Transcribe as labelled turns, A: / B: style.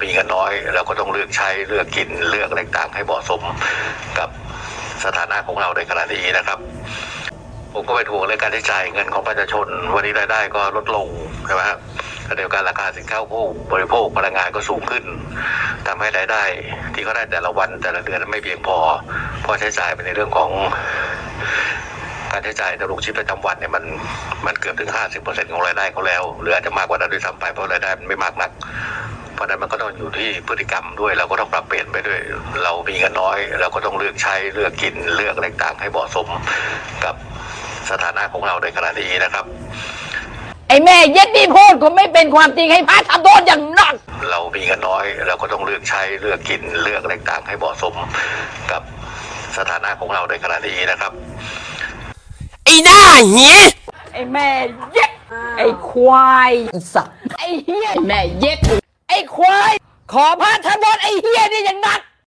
A: มีเงินน้อยเราก็ต้องเลือกใช้เลือกกินเลือกอะไรต่างให้เหมาะสมกับสถานะของเราในขณะนี้นะครับผมก็เป็นห่วงเรื่องการใช้จ่ายเงินของประชาชนวันนี้รายได้ก็ลดลงใช่ไหมครับขณะเดียวกันราคาสินค้าผู้บริโภคพลังงานก็สูงขึ้นทำให้รายได้ที่เขาได้แต่ละวันแต่ละเดือนไม่เพียงพอใช้จ่ายไปในเรื่องของการใช้จ่ายดำรงชีพประจำวันเนี่ยมันเกือบถึง 50% ของรายได้เขาแล้วหรืออาจจะมากกว่านั้นด้วยซ้ำไปเพราะรายได้มันไม่มากนักเพราะนั้นมันก็ต้องอยู่ที่พฤติกรรมด้วยเราก็ต้องปรับเปลี่ยนไปด้วยเรามีเงินน้อยเราก็ต้องเลือกใช้เลือกกินเลือกอะไรต่างให้เหมาะสมกับสถานะของเราในขณะนี้นะครับ
B: ไอ้แม่เย็ดนี่พูดก็ไม่เป็นความจริงให้พระทำโทษอย่างหนัก
A: เรามีเงินน้อยเราก็ต้องเลือกใช้เลือกกินเลือกอะไรต่างให้เหมาะสมกับสถานะของเราในขณะนี้นะครับ
C: ไอ้หน้าเหี้ย
B: ไอ้แม่เย็ดไอ้ควายสัตว์ไอ้เหี้ยแม่เย็ดไอ้ควายขอพระทำโทษไอ้เหี้ย